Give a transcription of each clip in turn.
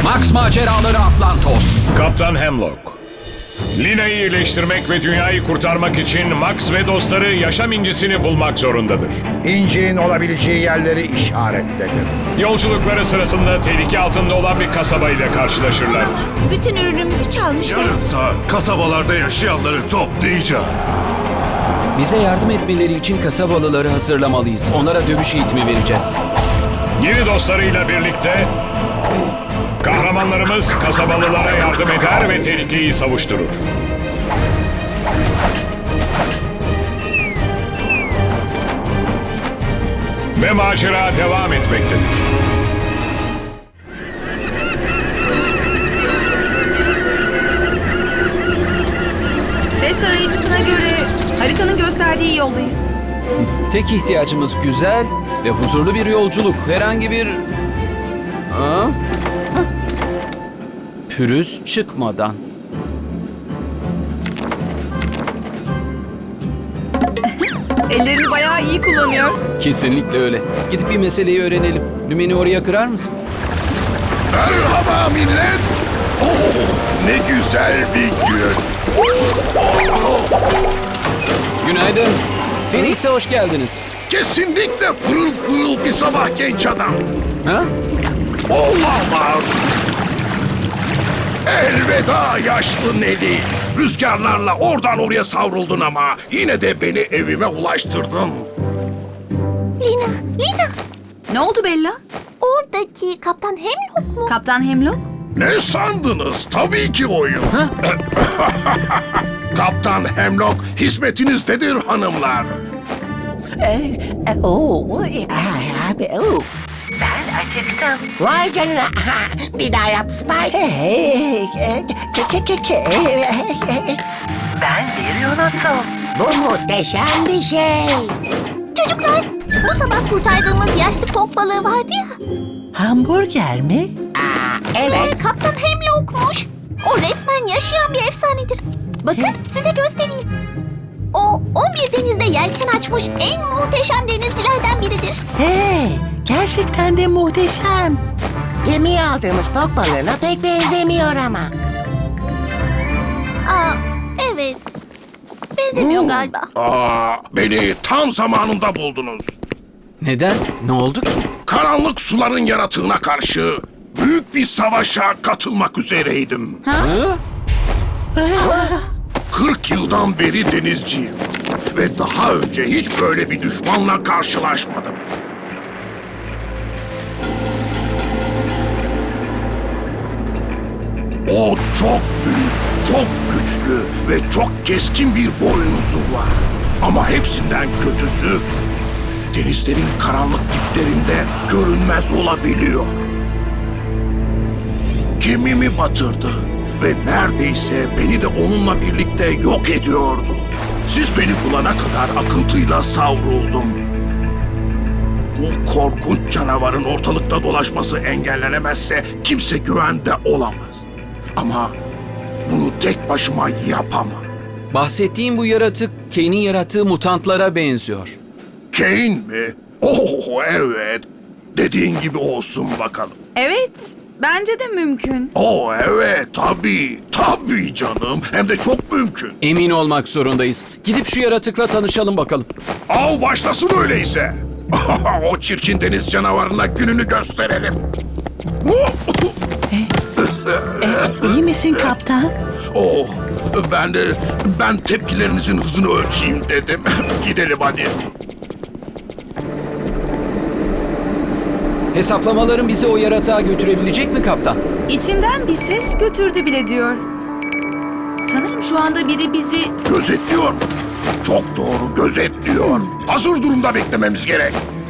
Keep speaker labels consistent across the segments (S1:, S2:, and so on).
S1: Max Maceraları Atlantos.
S2: Kaptan Hemlock. Lina'yı iyileştirmek ve dünyayı kurtarmak için Max ve dostları yaşam incisini bulmak zorundadır.
S3: İncinin olabileceği yerleri işaretledim.
S2: Yolculukları sırasında tehlike altında olan bir kasabayla karşılaşırlar.
S4: Bütün ürünümüzü çalmışlar.
S5: Yarınsa kasabalarda yaşayanları toplayacağız.
S1: Bize yardım etmeleri için kasabalıları hazırlamalıyız. Onlara dövüş eğitimi vereceğiz.
S2: Yeni dostlarıyla birlikte kahramanlarımız kasabalılara yardım eder ve tehlikeyi savuşturur. Ve macera devam etmektedir.
S4: Ses tarayıcısına göre haritanın gösterdiği yoldayız.
S1: Tek ihtiyacımız güzel ve huzurlu bir yolculuk. Herhangi bir... Aa? Hah. Pürüz çıkmadan.
S4: Ellerini bayağı iyi kullanıyor.
S1: Kesinlikle öyle. Gidip bir meseleyi öğrenelim. Lümeni oraya kırar mısın?
S5: Merhaba millet. Ne güzel bir gün.
S1: Günaydın. Phoenix'e hoş geldiniz.
S5: Kesinlikle pırıl pırıl bir sabah genç adam.
S1: Ha?
S5: Olamaz. Elveda yaşlı Nelly. Rüzgarlarla oradan oraya savruldun ama yine de beni evime ulaştırdın.
S6: Lina,
S4: Ne oldu Bella?
S6: oradaki Kaptan Hemlock mu?
S4: Kaptan Hemlock?
S5: Ne sandınız? Tabii ki oyun. Kaptan Hemlock hizmetinizdedir hanımlar.
S7: Ben acıktım. Vay canına. Bir daha yap Spike. Ben bir Yunus'um. Bu muhteşem bir şey.
S6: Çocuklar, bu sabah kurtardığımız yaşlı fok balığı vardı ya.
S7: Hamburger mi? Evet.
S6: Kaptan Hemlock'muş. O resmen yaşayan bir efsanedir. Bakın size göstereyim. O 11 denizde yelken açmış en muhteşem denizcilerden biridir.
S7: Hey, gerçekten de muhteşem. Gemiye aldığımız fok balığına pek benzemiyor ama.
S6: Aa, evet. Benzemiyor galiba.
S5: Beni tam zamanında buldunuz.
S1: Neden? Ne oldu ki?
S5: Karanlık suların yaratığına karşı büyük bir savaşa katılmak üzereydim.
S1: Ha?
S5: 40 yıldan beri denizciyim. Ve daha önce hiç böyle bir düşmanla karşılaşmadım. O çok büyük, çok güçlü ve çok keskin bir boynuzu var. Ama hepsinden kötüsü denizlerin karanlık diplerinde görünmez olabiliyor. Gemimi batırdı ve neredeyse beni de onunla birlikte yok ediyordu. Siz beni bulana kadar akıntıyla savruldum. Bu korkunç canavarın ortalıkta dolaşması engellenemezse kimse güvende olamaz. Ama bunu tek başıma yapamam.
S1: Bahsettiğim bu yaratık Kane'in yarattığı mutantlara benziyor.
S5: Kane mi? Oh evet. Dediğin gibi olsun bakalım.
S4: Evet, bence de mümkün.
S5: Oh evet tabii. Tabii canım. Hem de çok mümkün.
S1: Emin olmak zorundayız. Gidip şu yaratıkla tanışalım bakalım.
S5: Av başlasın öyleyse. O çirkin deniz canavarına gününü gösterelim.
S7: İyi misin kaptan?
S5: Oh, ben tepkilerinizin hızını ölçeyim dedim. Gidelim hadi.
S1: Hesaplamaların bizi o yaratığa götürebilecek mi kaptan?
S4: İçimden bir ses götürdü bile diyor. Sanırım şu anda biri bizi...
S5: Gözetliyor mu? Çok doğru, gözetliyor. Hazır durumda beklememiz gerek.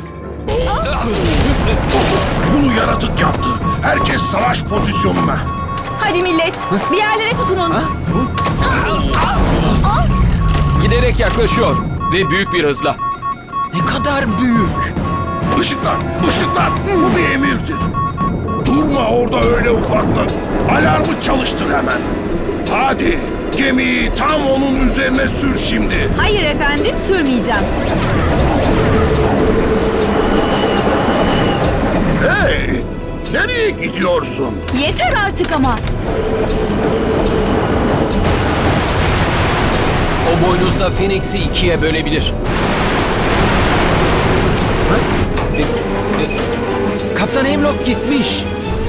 S5: Bunu yaratık yaptı. Herkes savaş pozisyonuna.
S4: Hadi millet, bir yerlere tutunun.
S1: Giderek yaklaşıyor ve büyük bir hızla. Ne kadar büyük.
S5: Işıklar, ışıklar. Bu bir emirdir. Durma orada öyle ufaklık. Alarmı çalıştır hemen. Hadi, gemiyi tam onun üzerine sür şimdi.
S4: Hayır efendim, sürmeyeceğim.
S5: Hey! Nereye gidiyorsun?
S4: Yeter artık ama.
S1: O boynuzla Phoenix'i ikiye bölebilir. Kaptan Hemlock gitmiş.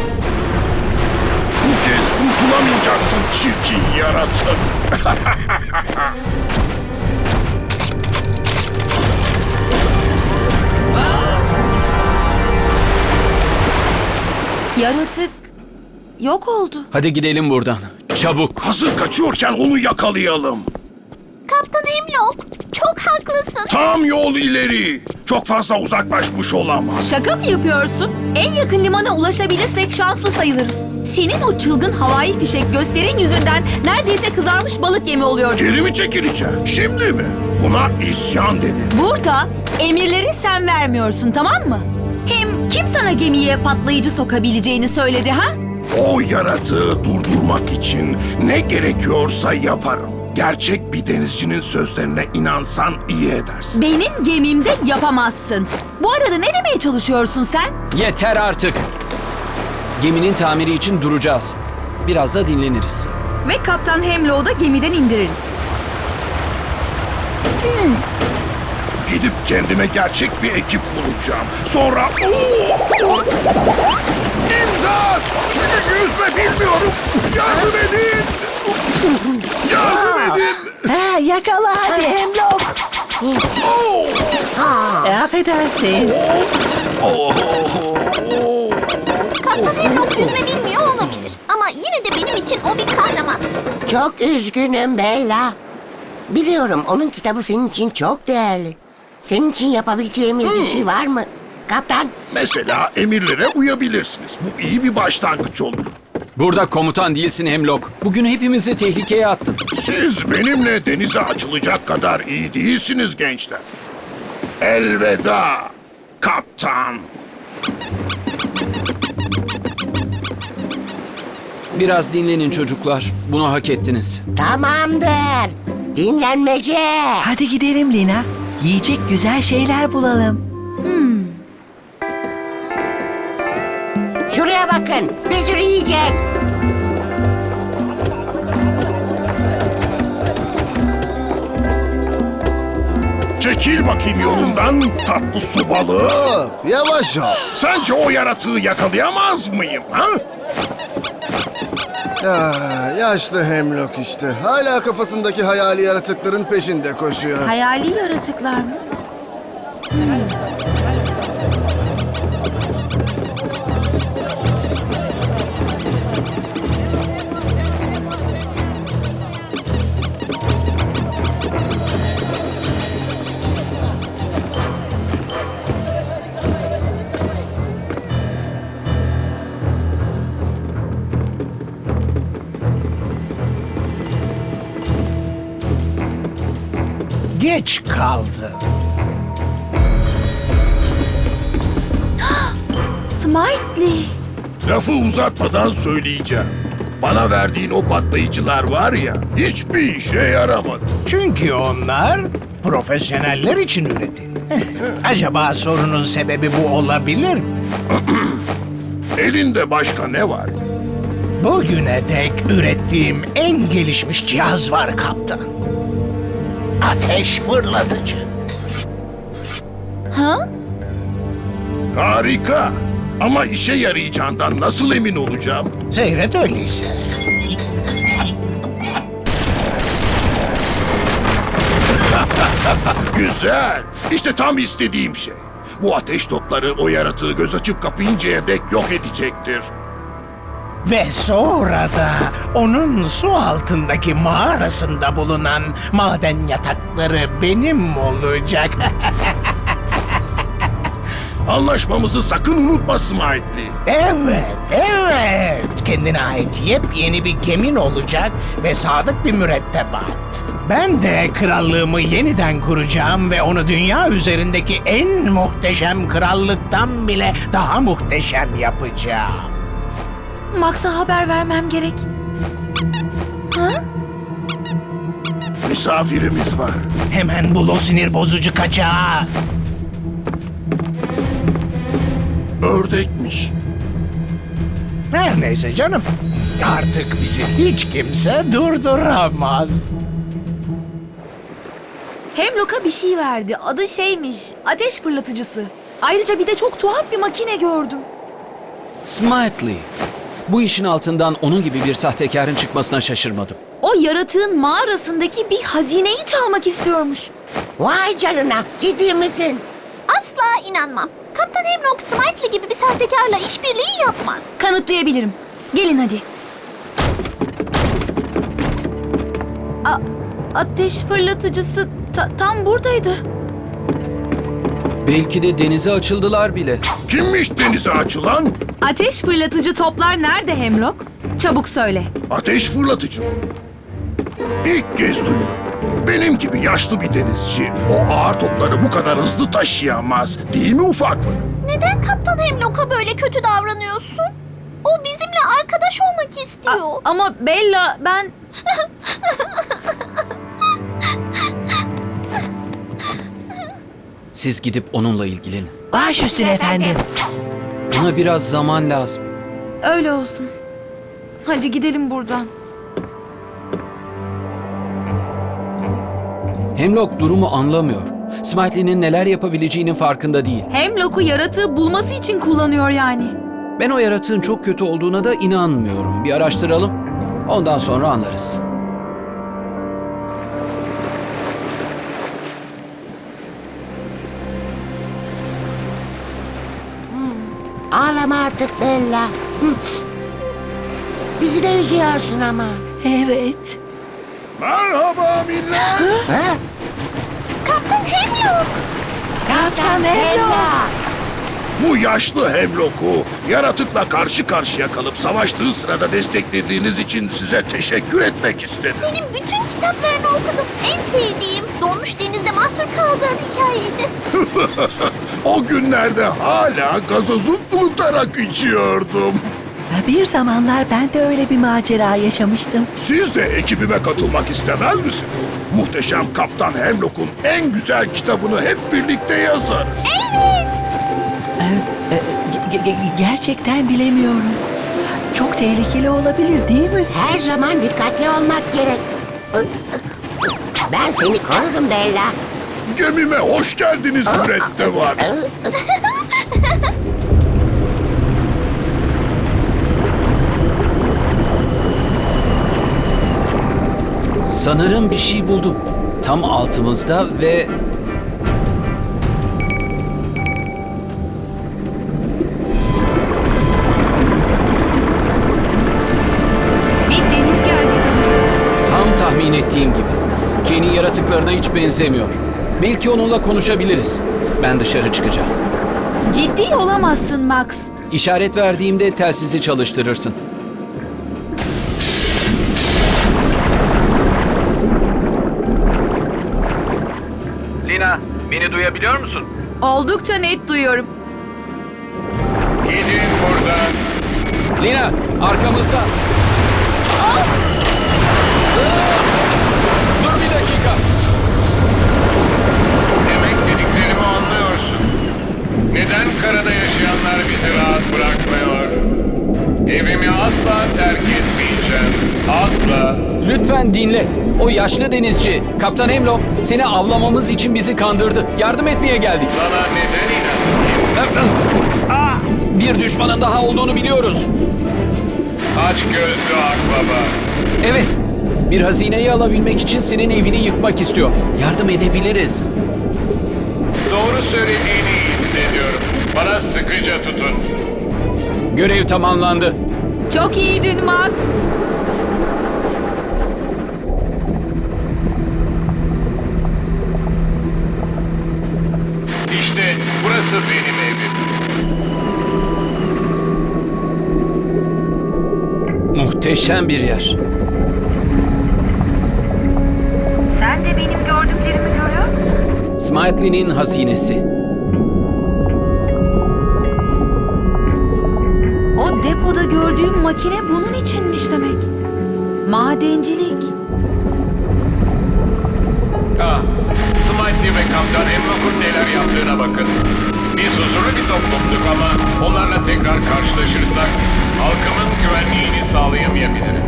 S5: Bu kez kurtulamayacaksın çirkin yaratık.
S4: Yaratık yok oldu.
S1: Hadi gidelim buradan. Çabuk.
S5: Hazır kaçıyorken onu yakalayalım.
S6: Kaptan Hemlock, çok haklısın.
S5: Tam yol ileri. Çok fazla uzaklaşmış olamaz.
S4: Şaka mı yapıyorsun? En yakın limana ulaşabilirsek şanslı sayılırız. Senin o çılgın havai fişek gösterin yüzünden neredeyse kızarmış balık yemi oluyor.
S5: Geri mi çekileceksin? Şimdi mi? Buna isyan denir.
S4: Burada emirleri sen vermiyorsun, tamam mı? Hem kim sana gemiye patlayıcı sokabileceğini söyledi ha?
S5: O yaratığı durdurmak için ne gerekiyorsa yaparım. Gerçek bir denizcinin sözlerine inansan iyi edersin.
S4: Benim gemimde yapamazsın. Bu arada ne demeye çalışıyorsun sen?
S1: Yeter artık. Geminin tamiri için duracağız. Biraz da dinleniriz.
S4: Ve Kaptan Hemlock'u da gemiden indiririz.
S5: Gidip kendime gerçek bir ekip bulacağım. Sonra... İmdat! Yüzme bilmiyorum. Yardım edin! Yardım edin!
S7: Ha, yakala hadi Hemlock. Affedersin.
S6: Kaptan Hemlock yüzme bilmiyor olabilir. Ama yine de benim için o bir kahraman.
S7: Çok üzgünüm Bella. Biliyorum onun kitabı senin için çok değerli. Senin için yapabileceğimiz bir şey var mı? Kaptan,
S5: Mesela emirlere uyabilirsiniz. Bu iyi bir başlangıç olur.
S1: Burada komutan değilsin Hemlock. Bugün hepimizi tehlikeye attın.
S5: Siz benimle denize açılacak kadar iyi değilsiniz gençler. Elveda kaptan.
S1: Biraz dinlenin çocuklar. Bunu hak ettiniz.
S7: tamamdır. Dinlenmece.
S8: Hadi gidelim Lina. Yiyecek güzel şeyler bulalım.
S7: Şuraya bakın. Bir sürü yiyecek.
S5: Çekil bakayım yolundan tatlı su balığı.
S9: Yavaş ol.
S5: Sence o yaratığı yakalayamaz mıyım ha?
S9: Yaşlı Hemlock işte. Hala kafasındaki hayali yaratıkların peşinde koşuyor.
S4: Hayali yaratıklar mı?
S8: Geç kaldı.
S4: Smiley.
S5: Lafı uzatmadan söyleyeceğim. Bana verdiğin o patlayıcılar var ya, hiçbir işe yaramadı.
S8: Çünkü onlar profesyoneller için üretildi. Acaba sorunun sebebi bu olabilir mi?
S5: Elinde başka ne var?
S8: Bugüne dek ürettiğim en gelişmiş cihaz var kaptan. Ateş fırlatıcı.
S4: Ha?
S5: Harika. Ama işe yarayacağından nasıl emin olacağım?
S8: Seyret öyleyse.
S5: Güzel. İşte tam istediğim şey. Bu ateş topları o yaratığı göz açıp kapayıncaya dek yok edecektir.
S8: Ve sonra da onun su altındaki mağarasında bulunan maden yatakları benim olacak.
S5: Anlaşmamızı sakın unutma Smiley.
S8: Evet. Kendine ait yepyeni bir gemin olacak ve sadık bir mürettebat. Ben de krallığımı yeniden kuracağım ve onu dünya üzerindeki en muhteşem krallıktan bile daha muhteşem yapacağım.
S4: Max'a haber vermem gerek. Ha?
S5: Misafirimiz var.
S8: Hemen bul o sinir bozucu kaçağı.
S5: Ördekmiş.
S8: Her neyse canım. Artık bizi hiç kimse durduramaz.
S4: Hemlock'a bir şey verdi. Adı şeymiş, ateş fırlatıcısı. Ayrıca bir de çok tuhaf bir makine gördüm.
S1: Smartly. Bu işin altından onun gibi bir sahtekarın çıkmasına şaşırmadım.
S4: O yaratığın mağarasındaki bir hazineyi çalmak istiyormuş.
S7: Vay canına, ciddi misin?
S6: Asla inanmam. Kaptan Hemlock Smitely gibi bir sahtekarla işbirliği yapmaz.
S4: Kanıtlayabilirim. Gelin hadi. Ateş fırlatıcısı tam buradaydı.
S1: Belki de denize açıldılar bile.
S5: Kimmiş denize açılan?
S4: Ateş fırlatıcı toplar nerede Hemlock? Çabuk söyle.
S5: Ateş fırlatıcı mı? İlk kez duyuyorum. Benim gibi yaşlı bir denizci o ağır topları bu kadar hızlı taşıyamaz. Değil mi ufaklık?
S6: Neden Kaptan Hemlock'a böyle kötü davranıyorsun? O bizimle arkadaş olmak istiyor.
S4: Ama Bella ben...
S1: Siz gidip onunla ilgilenin.
S7: Baş üstüne efendim.
S1: Buna biraz zaman lazım.
S4: Öyle olsun. Hadi gidelim buradan.
S1: Hemlock durumu anlamıyor. Smartly'nin neler yapabileceğinin farkında değil.
S4: Hemlock'u yaratığı bulması için kullanıyor yani.
S1: Ben o yaratığın çok kötü olduğuna da inanmıyorum. Bir araştıralım. Ondan sonra anlarız.
S7: Ağlama artık Bella. Hı. Bizi de üzüyorsun ama. Evet.
S5: Merhaba millet.
S7: Ha?
S6: Kaptan Hemlock!
S7: Kaptan Bella.
S5: Bu yaşlı Hemlock'u yaratıkla karşı karşıya kalıp savaştığı sırada desteklediğiniz için size teşekkür etmek istedim.
S6: Senin bütün kitaplarını okudum. En sevdiğim donmuş denizde mahsur kaldığın hikayeydi.
S5: O günlerde hala gazozu unutarak içiyordum.
S10: Bir zamanlar ben de öyle bir macera yaşamıştım.
S5: Siz de ekibime katılmak istemez misiniz? Muhteşem Kaptan Hemlock'un en güzel kitabını hep birlikte yazarız.
S6: Evet!
S10: Gerçekten bilemiyorum. Çok tehlikeli olabilir değil mi?
S7: Her zaman dikkatli olmak gerek. Ben seni korurum Bella.
S5: Gemime hoş geldiniz mürettebat.
S1: Sanırım bir şey buldum. Tam altımızda ve...
S4: Bir deniz gergedanı.
S1: Tam tahmin ettiğim gibi. Kenny yaratıklarına hiç benzemiyor. Belki onunla konuşabiliriz. Ben dışarı çıkacağım.
S4: Ciddi olamazsın Max.
S1: İşaret verdiğimde telsizi çalıştırırsın. Lina, beni duyabiliyor musun?
S4: Oldukça net duyuyorum.
S2: Gidin buradan.
S1: Lina, arkamızda. Dur bir dakika.
S2: Demek dediklerimi anlıyorsun. Neden karada yaşayanlar bizi rahat bırakmıyor? Evimi asla terk etmeyeceğim. Asla.
S1: Lütfen dinle. O yaşlı denizci, Kaptan Hemlock seni avlamamız için bizi kandırdı. Yardım etmeye geldik.
S2: Sana neden inanayım?
S1: Bir düşmanın daha olduğunu biliyoruz.
S2: Aç gözlü akbaba.
S1: Evet, bir hazineyi alabilmek için senin evini yıkmak istiyor. Yardım edebiliriz.
S2: Doğru söylediğini iyi hissediyorum. Bana sıkıca tutun.
S1: Görev tamamlandı.
S4: Çok iyiydin Max.
S2: İşte burası benim evim.
S1: Muhteşem bir yer.
S4: Sen de benim gördüklerimi görüyor musun?
S1: Smartly'nin hazinesi.
S4: O depoda gördüğüm makine bunun içinmiş demek. Madencilik.
S2: Ah, Smitely ve Kaptan Hemlock'un neler yaptığına bakın. Biz huzurlu bir toplumduk ama onlarla tekrar karşılaşırsak
S5: Halkımın güvenliğini sağlayamayabilirim.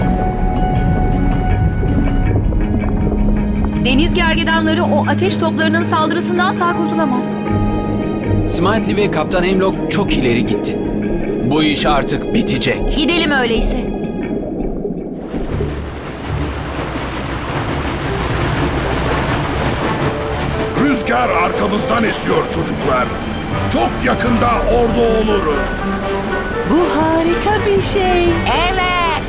S4: Deniz gergedanları o ateş toplarının saldırısından sağ kurtulamaz.
S1: Smartly ve Kaptan Hemlock çok ileri gitti. Bu iş artık bitecek.
S4: Gidelim öyleyse.
S5: Rüzgar arkamızdan esiyor çocuklar. Çok yakında orada oluruz.
S10: Bu harika bir şey.
S7: Evet.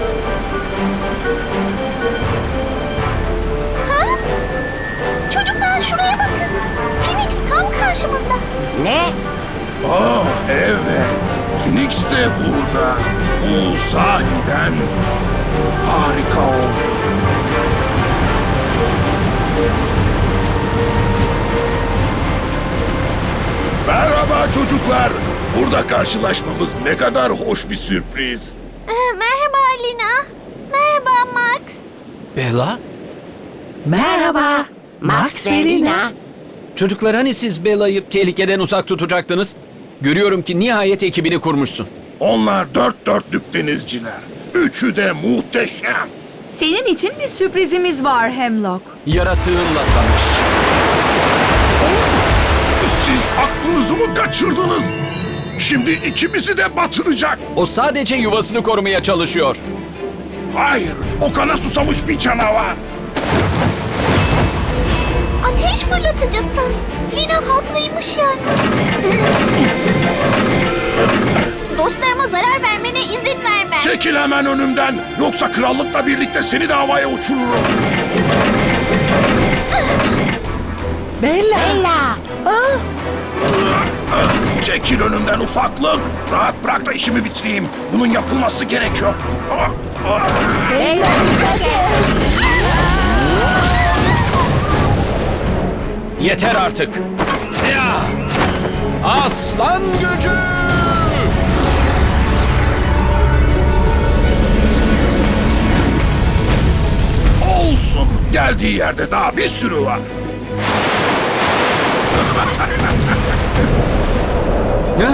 S6: Ha? Çocuklar şuraya bakın. Phoenix tam karşımızda.
S7: Ne?
S5: Oh evet. Phoenix de burada. Bu sahiden harika oldu. Merhaba çocuklar. Burada karşılaşmamız ne kadar hoş bir sürpriz.
S6: Merhaba Lina. Merhaba Max.
S1: Bella?
S10: Merhaba.
S7: Max ve Lina.
S1: Çocuklar hani siz Bella'yı tehlikeden uzak tutacaktınız? Görüyorum ki nihayet ekibini kurmuşsun.
S5: Onlar dört dörtlük denizciler. Üçü de muhteşem.
S4: Senin için bir sürprizimiz var Hemlock.
S1: Yaratığınla tanış.
S5: Siz aklınızı mı kaçırdınız? Şimdi ikimizi de batıracak.
S1: O sadece yuvasını korumaya çalışıyor.
S5: Hayır, o kana susamış bir canavar.
S6: Ateş fırlatıcısı. Lina haklıymış yani. Dostlarıma zarar vermene izin vermem.
S5: Çekil hemen önümden. Yoksa krallıkla birlikte seni de havaya uçururum.
S10: Bella.
S7: Bella.
S5: Çekil önümden ufaklık. Rahat bırak da işimi bitireyim. Bunun yapılması gerekiyor.
S7: Bella.
S1: Yeter artık. Ya! Aslan gücü!
S5: Olsun. Geldiği yerde daha bir sürü var.
S1: Ne?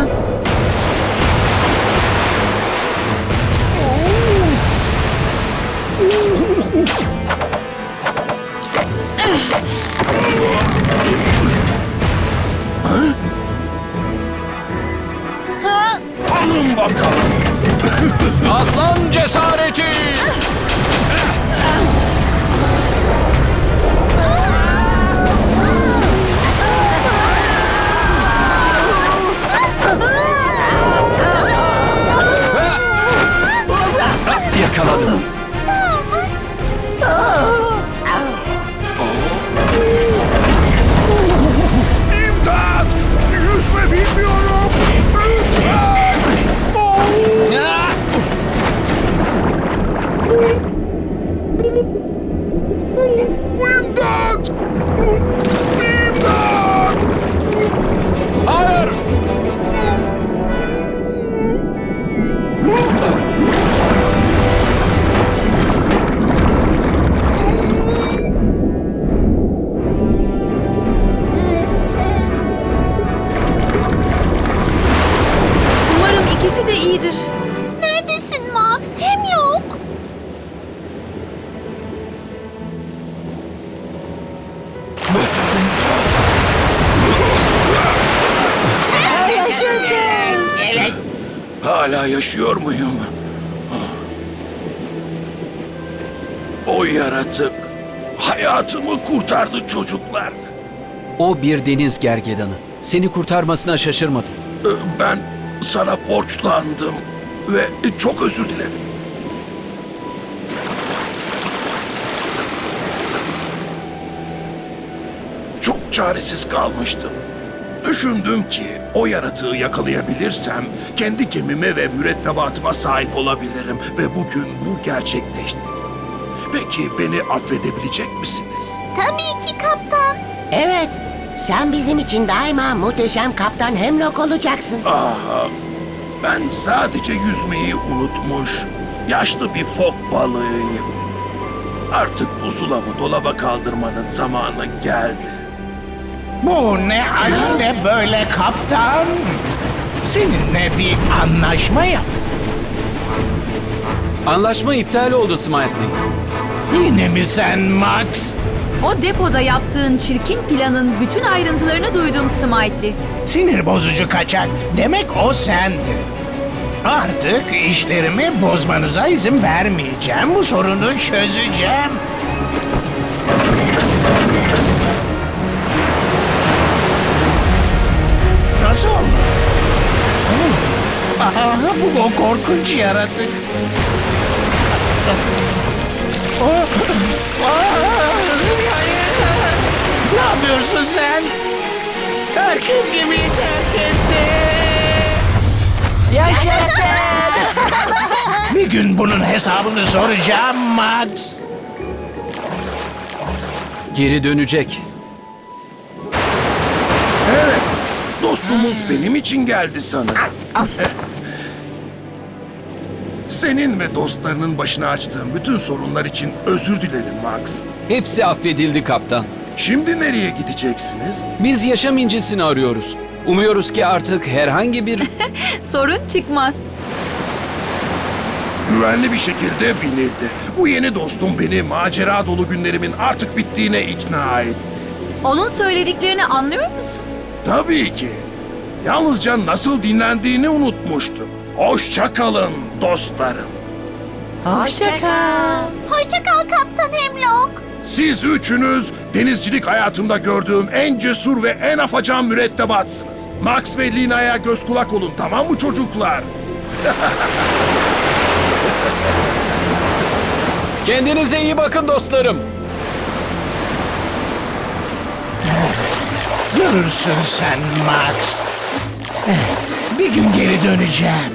S5: Alın bakalım.
S1: Aslan cesareti! Yakaladım.
S6: Sağ ol Max.
S5: İmdat! Yüzme bilmiyorum. Lütfen!
S1: Ya!
S5: İmdat! İmdat!
S1: Hayır!
S4: Umarım ikisi de iyidir.
S6: Neredesin Max? Hemlock.
S7: Evet.
S5: Hala yaşıyor muyum? O yaratık hayatımı kurtardı çocuklar.
S1: O bir deniz gergedanı. Seni kurtarmasına şaşırmadım.
S5: Ben sana borçlandım ve çok özür dilerim. Çok çaresiz kalmıştım. Düşündüm ki o yaratığı yakalayabilirsem kendi gemime ve mürettebatıma sahip olabilirim ve bugün bu gerçekleşti. Peki beni affedebilecek misiniz?
S6: Tabii ki kaptan.
S7: Evet. Sen bizim için daima muhteşem Kaptan Hemlock olacaksın.
S5: Ben sadece yüzmeyi unutmuş, yaşlı bir fok balığıyım. Artık pusulamı dolaba kaldırmanın zamanı geldi.
S8: Bu ne acele böyle kaptan? Seninle bir anlaşma yaptım.
S1: Anlaşma iptal oldu Smiley.
S8: Yine mi sen Max?
S4: O depoda yaptığın çirkin planın bütün ayrıntılarını duydum Smiley.
S8: Sinir bozucu kaçak. Demek o sendin. Artık işlerimi bozmanıza izin vermeyeceğim. Bu sorunu çözeceğim. Nasıl oldu? Aha, bu o korkunç yaratık. Ne yapıyorsun sen? Herkes gemiyi terk etsin.
S7: Yaşasın!
S8: Bir gün bunun hesabını soracağım Max.
S1: Geri dönecek.
S5: Evet, dostumuz benim için geldi sanırım. Senin ve dostlarının başına açtığım bütün sorunlar için özür dilerim Max.
S1: Hepsi affedildi kaptan.
S5: Şimdi nereye gideceksiniz?
S1: Biz yaşam incisini arıyoruz. Umuyoruz ki artık herhangi bir...
S4: Sorun çıkmaz.
S5: Güvenli bir şekilde binildi. Bu yeni dostum beni macera dolu günlerimin artık bittiğine ikna etti.
S4: Onun söylediklerini anlıyor musun?
S5: Tabii ki. Yalnızca nasıl dinlendiğini unutmuştum. Hoşça kalın dostlarım.
S10: Hoşça kal.
S6: Hoşça kal Kaptan Hemlock.
S5: Siz üçünüz denizcilik hayatımda gördüğüm en cesur ve en afacan mürettebatsınız. Max ve Lina'ya göz kulak olun, tamam mı çocuklar?
S1: Kendinize iyi bakın dostlarım.
S8: Görürsün sen Max. Bir gün geri döneceğim.